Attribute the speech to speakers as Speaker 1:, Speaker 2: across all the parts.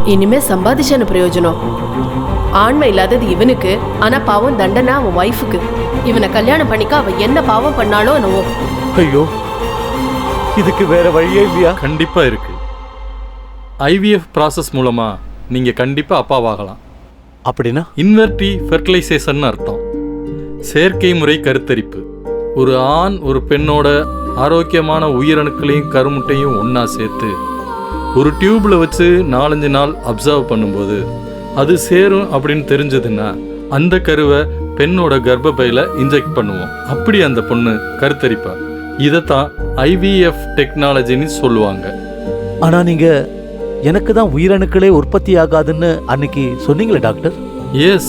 Speaker 1: இனிமே சம்பாதிச்சான பிரயோஜனம்? ஆண்மை இல்லாதது இவனுக்கு, ஆனா பாவம் தண்டனை அவன் ஒய்ஃபுக்கு. இவனை கல்யாணம் பண்ணிக்க அவ என்ன பாவம் பண்ணாலோ என்னவோ.
Speaker 2: ஐயோ, இதுக்கு வேற வழியே இல்லையா?
Speaker 3: கண்டிப்பா இருக்கு. ஐவிஎஃப் ப்ராசஸ் மூலமா நீங்க கண்டிப்பா அப்பாவாகலாம்.
Speaker 2: அப்படின்னா?
Speaker 3: இன்வெர்டி ஃபெர்டிலைசேஷன் அர்த்தம். செயற்கை முறை கருத்தரிப்பு. ஒரு ஆண் ஒரு பெண்ணோட ஆரோக்கியமான உயிரணுக்களையும் கருமுட்டையும் ஒன்றா சேர்த்து ஒரு டியூப்ல வச்சு 4-5 நாள் அப்சர்வ் பண்ணும்போது அது சேரும் அப்படின்னு தெரிஞ்சதுன்னா அந்த கருவை பெண்ணோட கர்ப்பப்பையில இன்ஜெக்ட் பண்ணுவோம். அப்படி அந்த பொண்ணு கருத்தரிப்பா. இதைத்தான் ஐவிஎஃப் டெக்னாலஜின்னு சொல்லுவாங்க.
Speaker 2: ஆனா நீங்க எனக்கு தான் உயிரணுக்களே உற்பத்தி ஆகாதுன்னு அன்னைக்கு சொன்னீங்களே டாக்டர்.
Speaker 3: எஸ்,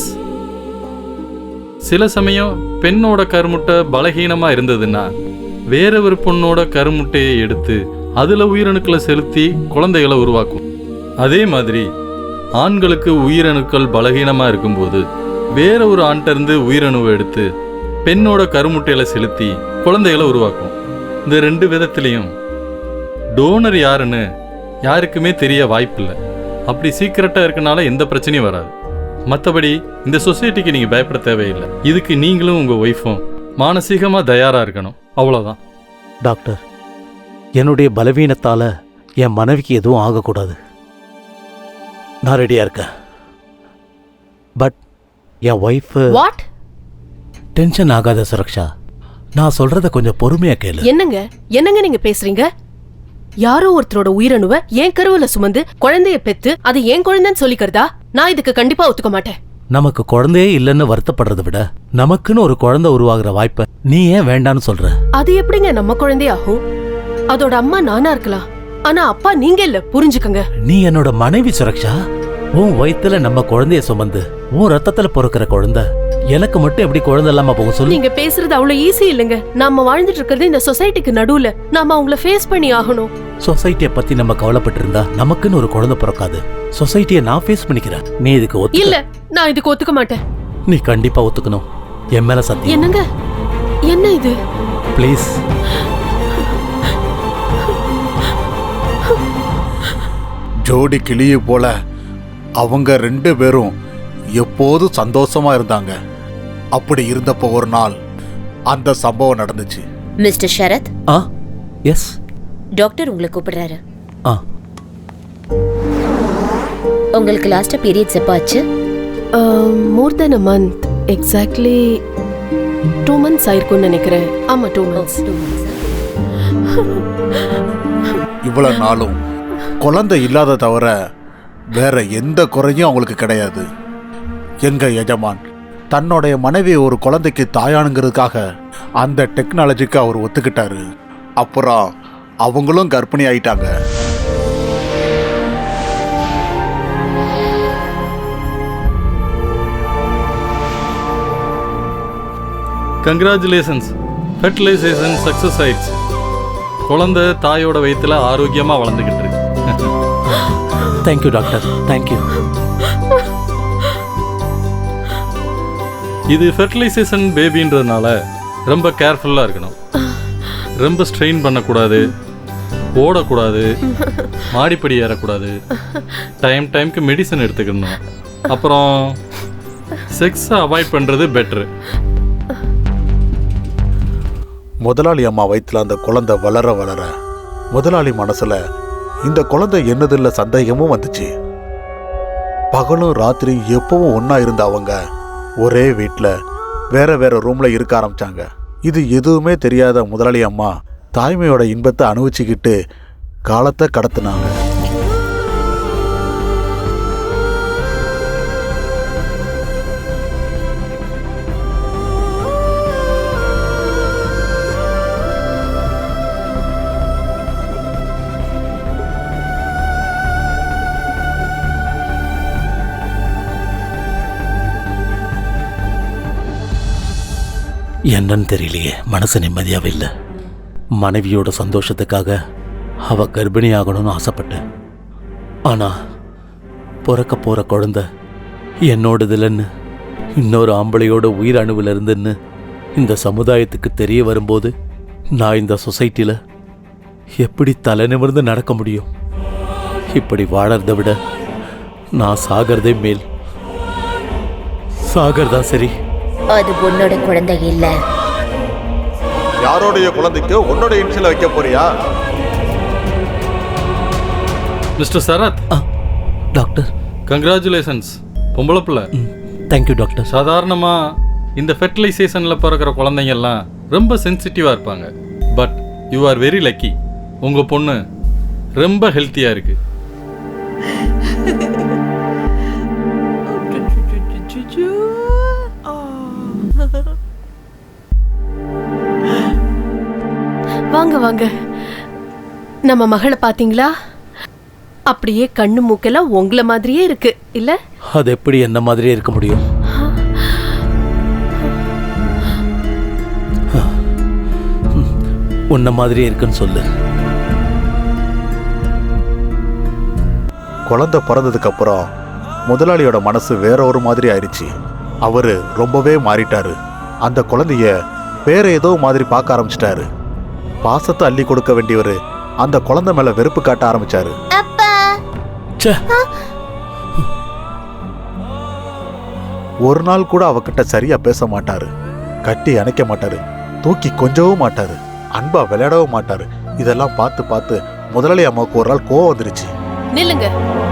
Speaker 3: சில சமயம் பெண்ணோட கருமுட்டை பலகீனமா இருந்ததுன்னா வேற ஒரு பொண்ணோட கருமுட்டையை எடுத்து அதுல உயிரணுக்களை செலுத்தி குழந்தைகளை உருவாக்கும். அதே மாதிரி ஆண்களுக்கு உயிரணுக்கள் பலகீனமா இருக்கும்போது வேற ஒரு ஆண்கிட்ட இருந்து உயிரணுவை எடுத்து பெண்ணோட கருமுட்டையில செலுத்தி குழந்தைகளை உருவாக்கும். இந்த 2 விதத்திலையும் டோனர் யாருன்னு யாருக்குமே தெரிய வாய்ப்பில்லை. அப்படி சீக்கிரட்டா இருக்கனால எந்த பிரச்சனையும் வராது. மற்றபடி இந்த சொசைட்டிக்கு நீங்க பயப்பட தேவையில்லை. இதுக்கு நீங்களும் உங்க ஒய்ஃபும் மானசீகமா தயாரா இருக்கணும், அவ்வளவுதான்.
Speaker 2: டாக்டர், என்னுடைய பலவீனத்தால என் மனைவிக்கு எதுவும் ஆகக்கூடாது. நான் ரெடியா இருக்கேன். பட் என் ஒய்ஃப்
Speaker 1: வாட்?
Speaker 2: டென்ஷன் ஆகாத சுரக்ஷா, நான் சொல்றத கொஞ்சம் பொறுமையா கேளு.
Speaker 1: என்னங்க நீங்க பேசுறீங்க? யாரோ ஒருத்தரோட உயிரணுவை என் கருவுல சுமந்து குழந்தைய பெத்து அது என் குழந்தைன்னு சொல்லிக்கிறதா? நான் இதுக்கு கண்டிப்பா ஒத்துக்க மாட்டேன்.
Speaker 2: நமக்கு குழந்தையே இல்லைன்னு வருத்தப்படுறதை விட நமக்குன்னு ஒரு குழந்தை உருவாகிற வாய்ப்பை நீ ஏன் வேண்டான்னு சொல்ற?
Speaker 1: அது எப்படிங்க நம்ம குழந்தை ஆகும்? அதோட அம்மா நானா இருக்கலாம், ஆனா அப்பா நீங்க இல்ல, புரிஞ்சுக்கங்க.
Speaker 2: நீ என்னோட மனைவி சுரக்ஷா. உன் வயித்துல நம்ம குழந்தைய சுமந்து உன் ரத்தத்துல பொறுக்கிற குழந்தை எனக்கு மட்டும் எப்படி குழந்தை இல்லாம போக சொல்லு?
Speaker 1: நீங்க பேசுறது அவ்வளவு ஈஸி இல்லைங்க. நாம வாழ்ந்துட்டு இருக்கிறது இந்த சொசைட்டிக்கு நடுவுல. நாம அவங்கள ஃபேஸ் பண்ணி ஆகணும்.
Speaker 2: சொசைட்டியை பத்தி நம்ம கவலைப்பட்டு இருந்தா நமக்குன்னு ஒரு குழந்தை பிறக்காது. சொசைட்டியை நான் ஃபேஸ் பண்ணிக்கிறேன். நீ இதுக்கு
Speaker 1: இல்ல, நான் இதுக்கு ஒத்துக்க மாட்டேன்.
Speaker 2: நீ கண்டிப்பா ஒத்துக்கணும். என் மேல சத்தியம்.
Speaker 1: என்னங்க? என்ன இது?
Speaker 2: ப்ளீஸ்.
Speaker 4: ஜோடி கிளியை போல அவங்க 2 பேரும் எப்போதும் சந்தோஷமா இருந்தாங்க. அப்படி இருந்தப்போ ஒரு நாள் அந்த சம்பவம் நடந்துச்சு.
Speaker 5: மிஸ்டர் ஷரத்.
Speaker 2: எஸ்.
Speaker 5: டாக்டர் உங்களை கூப்பிடுறாரு. உங்களுக்கு லாஸ்டா பீரியட்ஸ் எப்ப ஆச்சு?
Speaker 1: More than a month. Exactly 2 months ஆயிருக்கும்னு நினைக்கிறேன். ஆமா, 2 months.
Speaker 4: இவ்வளவு நாளும் குழந்தை இல்லாத தவிர வேற எந்த குறையும் அவங்களுக்கு கிடையாது. எங்க எஜமான் தன்னுடைய மனைவி ஒரு குழந்தைக்கு தாயானுங்கிறதுக்காக அந்த டெக்னாலஜிக்கு அவர் ஒத்துக்கிட்டாரு. அப்புறம் அவங்களும் கர்ப்பிணி ஆயிட்டாங்க.
Speaker 3: கங்க்ராச்சுலேஷன்ஸ், ஃபெர்டிலைசேஷன் சக்ஸஸ் ஆயிடுச்சு. குழந்தை தாயோட வயிற்றுல ஆரோக்கியமாக வளர்ந்துக்கிட்டு இருக்கு.
Speaker 2: Thank you doctor, thank you.
Speaker 3: இது ஃபெர்டிலைசேஷன் பேபின்றதுனால ரொம்ப கேர்ஃபுல்லாக இருக்கணும். ரொம்ப ஸ்ட்ரெயின் பண்ணக்கூடாது, ஓடக்கூடாது, மாடிப்படி ஏறக்கூடாது, டைம்க்கு மெடிசன் எடுத்துக்கணும். அப்புறம் செக்ஸை அவாய்ட் பண்ணுறது பெட்ரு.
Speaker 4: முதலாளி அம்மா வயிற்றுல அந்த குழந்தை வளர வளர முதலாளி மனசுல இந்த குழந்தை என்னதில்ல சந்தேகமும் வந்துச்சு. பகலும் ராத்திரி எப்பவும் ஒன்னா இருந்த அவங்க ஒரே வீட்டில் வேற வேற ரூம்ல இருக்க ஆரம்பிச்சாங்க. இது எதுவுமே தெரியாத முதலாளி அம்மா தாய்மையோட இன்பத்தை அனுபவிச்சுக்கிட்டு காலத்தை கடத்தினாங்க.
Speaker 2: என்னன்னு தெரியலையே, மனசு நிம்மதியாவே இல்லை. மனைவியோட சந்தோஷத்துக்காக அவ கர்ப்பிணி ஆகணும்னு ஆசைப்பட்டேன். ஆனா பிறக்க போற குழந்தை என்னோடது இல்லைன்னு, இன்னொரு ஆம்பளையோட உயிர் அணுவில் இருந்துன்னு இந்த சமுதாயத்துக்கு தெரிய வரும்போது நான் இந்த சொசைட்டியில் எப்படி தலை நிமிர்ந்து நடக்க முடியும்? இப்படி வாழறதை விட நான் சாகிறதே மேல். சாகிறதா சரி.
Speaker 5: அது உன்னோட குழந்தை இல்ல.
Speaker 4: யாரோடைய குழந்தைக்கு உன்னோட இன்சியல் வைக்க போறியா?
Speaker 3: Mister Sarath,
Speaker 2: doctor.
Speaker 3: கங்க்ராச்சுலேஷன்ஸ், பொம்பளை பிள்ளை.
Speaker 2: Thank you doctor.
Speaker 3: சாதாரணமாக இந்த ஃபெர்டிலைசேஷனில் பிறக்கிற குழந்தைங்கெல்லாம் ரொம்ப சென்சிட்டிவாக இருப்பாங்க. But you are very lucky. உங்கள் பொண்ணு ரொம்ப ஹெல்த்தியாக இருக்குது.
Speaker 1: வாங்க வாங்க. நம்ம மகளை பாத்தீங்களா? அப்படியே கண்ணு மூக்கெல்லாம் உங்கள மாதிரியே இருக்கு இல்ல?
Speaker 2: அது எப்படி என்ன மாதிரியே இருக்க முடியும்? உன்ன மாதிரியே இருக்குன்னு சொல்லு.
Speaker 4: குழந்தை பிறந்ததுக்கு அப்புறம் முதலாளியோட மனசு வேற ஒரு மாதிரி ஆயிடுச்சு. அவரு ரொம்பவே மாறிட்டாரு. அந்த குழந்தைய வேற ஏதோ மாதிரி பார்க்க ஆரம்பிச்சிட்டாரு. பாசத்தை அள்ளி கொடுக்க வேண்டியவரு அந்த குழந்தை மேல வெறுப்பு காட்ட ஆரம்பிச்சாரு. ஒரு நாள் கூட அவகிட்ட சரியா பேச மாட்டாரு, கட்டி அணைக்க மாட்டாரு, தூக்கி கொஞ்சவும் மாட்டாரு, அன்பா விளையாடவும் மாட்டாரு. இதெல்லாம் பார்த்து பார்த்து முதலாளி அம்மாவுக்கு ஒரு நாள் கோவம் வந்துருச்சு.
Speaker 1: நில்லுங்க.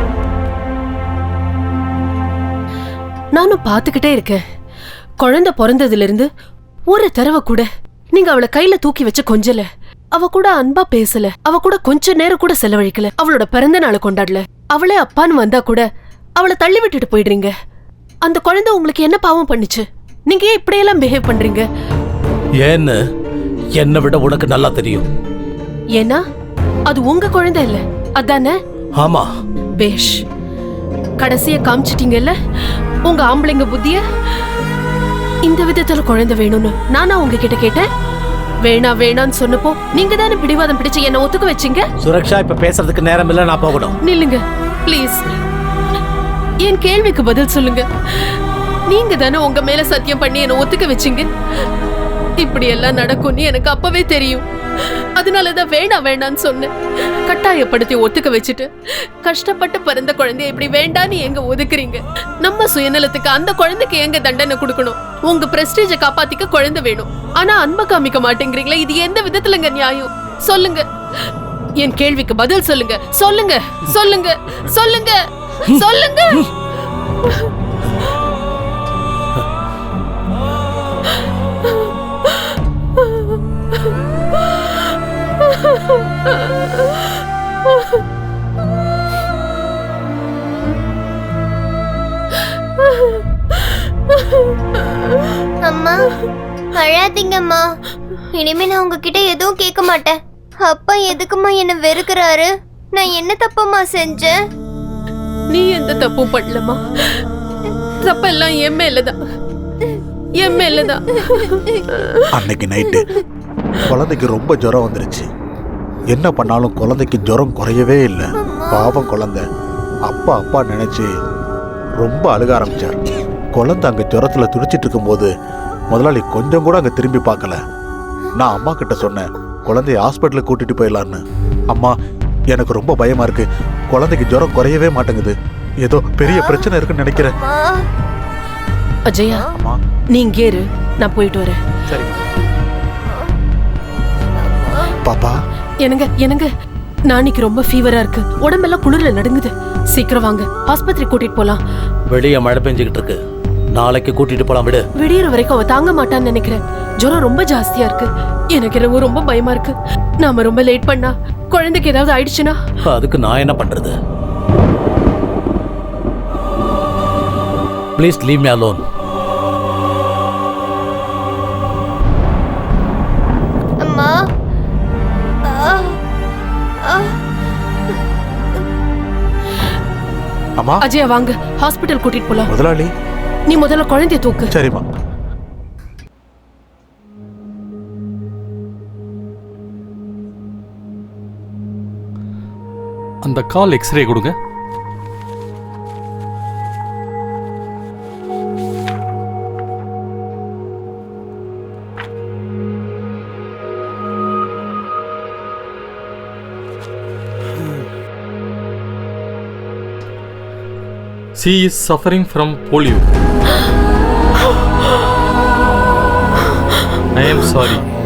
Speaker 1: நானும் பார்த்துக்கிட்டே இருக்கேன். குழந்தை பிறந்ததுல இருந்து ஒரு தடவை கூட நீங்க அவளை கையில தூக்கி வச்சு கொஞ்சல, அவ கூட அன்பா பேசல, அவ கூட கொஞ்ச நேரம் கூட செலவழிக்கல, அவளோட பிறந்த நாளை கொண்டாடல. அவளே அப்பான்னு வந்தா கூட அவளை தள்ளி விட்டுட்டு போயிடுறீங்க. அந்த குழந்தை உங்களுக்கு என்ன பாவம் பண்ணுச்சு? நீங்க ஏன் இப்படியெல்லாம் பிஹேவ் பண்றீங்க?
Speaker 2: ஏன்னு என்னை விட உனக்கு நல்லா தெரியும்.
Speaker 1: ஏன்னா அது உங்க குழந்தை இல்ல, அதானே?
Speaker 2: ஆமா.
Speaker 1: பேஷ், கடைசிய காமிச்சிட்டீங்கல்ல உங்க ஆம்பளைங்க புத்திய. இந்த விதத்துல குழந்தை வேணும்னு நானா உங்ககிட்ட கேட்டேன்? வேணா வேணான்னு சொன்னப்போ நீங்க தானே பிடிவாதம் பிடிச்சு என்ன ஒத்துக்க வச்சீங்க.
Speaker 2: சுரக்ஷா, இப்ப பேசுறதுக்கு நேரம் இல்ல, நான் போகணும்.
Speaker 1: நில்லுங்க ப்ளீஸ். என் கேள்விக்கு பதில் சொல்லுங்க. நீங்க தானே உங்க மேல சத்தியம் பண்ணி என்ன ஒத்துக்க வச்சீங்க. இப்படி எல்லாம் நடக்கும்னு எனக்கு அப்பவே தெரியும். அதனாலதான் வேணா வேணான்னு சொன்னேன். கட்டாயப்படுத்தி ஒத்துக்க வச்சுட்டு கஷ்டப்பட்டு பிறந்த குழந்தைய இப்படி வேண்டான்னு எங்க ஒதுக்குறீங்க? நம்ம சுயநலத்துக்கு அந்த குழந்தைக்கு எங்க தண்டனை கொடுக்கணும்? உங்க பிரஸ்டீஜை காப்பாத்திக்க குழந்தை வேணும், ஆனா அன்பை காமிக்க மாட்டேங்கிறீங்களா? இது எந்த விதத்துலங்க நியாயம்? சொல்லுங்க. என் கேள்விக்கு பதில் சொல்லுங்க. சொல்லுங்க சொல்லுங்க சொல்லுங்க சொல்லுங்க.
Speaker 6: அம்மா, அழாதீங்கம்மா. இனிமே நான் உங்ககிட்ட எதுவும் கேட்க மாட்டேன். அப்பா எதுக்குமா என்ன வெறுக்கிறாரு? நான் என்ன தப்பம்மா செஞ்சேன்?
Speaker 1: நீ எந்த தப்பும் பண்ணலமா. தப்பெல்லாம் என் மேலதான், என் மேலதான்.
Speaker 4: அன்னைக்கு நைட்டு குழந்தைக்கு ரொம்ப ஜுரம் வந்துருச்சு. என்ன பண்ணாலும் குழந்தைக்கு ஜுரம் குறையவே இல்லை. பாவம் குழந்தை அப்பா அப்பா நினைச்சு ரொம்ப அழுக ஆரம்பிச்சார். குழந்தை அங்க ஜுரத்துல துடிச்சிட்டு இருக்கும்போது முதலாளி கொஞ்சம் கூட அங்க திரும்பி பார்க்கல. நான் அம்மா கிட்ட சொன்னேன், குழந்தைய ஹாஸ்பிட்டலுக்கு கூட்டிட்டு போயிடலான்னு. அம்மா, எனக்கு ரொம்ப பயமா இருக்கு, குழந்தைக்கு ஜுரம் குறையவே மாட்டேங்குது, ஏதோ பெரிய பிரச்சனை இருக்குன்னு நினைக்கிறேன்.
Speaker 1: அஜயா,
Speaker 4: அம்மா,
Speaker 1: நீ இங்கே இரு, நான் போயிட்டு வரேன்.
Speaker 4: சரி பாப்பா.
Speaker 1: என்னங்க என்னங்க, நாளைக்கு ரொம்ப ஃபீவரா இருக்கு, உடம்பெல்லாம் குளிர்ல நடுங்குது. சீக்கிரம் வாங்க, ஆஸ்பத்திரி கூட்டிட்டு போலாம்.
Speaker 2: வெளியே மழை பெஞ்சுக்கிட்டு இருக்கு, நாளைக்கு கூட்டிட்டு போலாம். விடு.
Speaker 1: விடியற வரைக்கும் அவ தாங்க மாட்டான்னு நினைக்கிறேன். ஜுரம் ரொம்ப ஜாஸ்தியா இருக்கு. எனக்கு என்னவோ ரொம்ப பயமா இருக்கு. நாம ரொம்ப லேட் பண்ணா குழந்தைக்கு ஏதாவது ஆயிடுச்சுன்னா
Speaker 2: அதுக்கு நான் என்ன பண்றது? Please leave me alone.
Speaker 6: அம்மா,
Speaker 4: அம்மா,
Speaker 1: அஜயா வாங்க, ஹாஸ்பிட்டல் கூட்டிட்டு போலாம்.
Speaker 4: முதலாளி,
Speaker 1: நீ முதல்ல குழந்தைய தூக்கு.
Speaker 4: சரிம்மா.
Speaker 3: அந்த கால் எக்ஸ்ரே கொடுங்க. she is suffering from polio. I am sorry.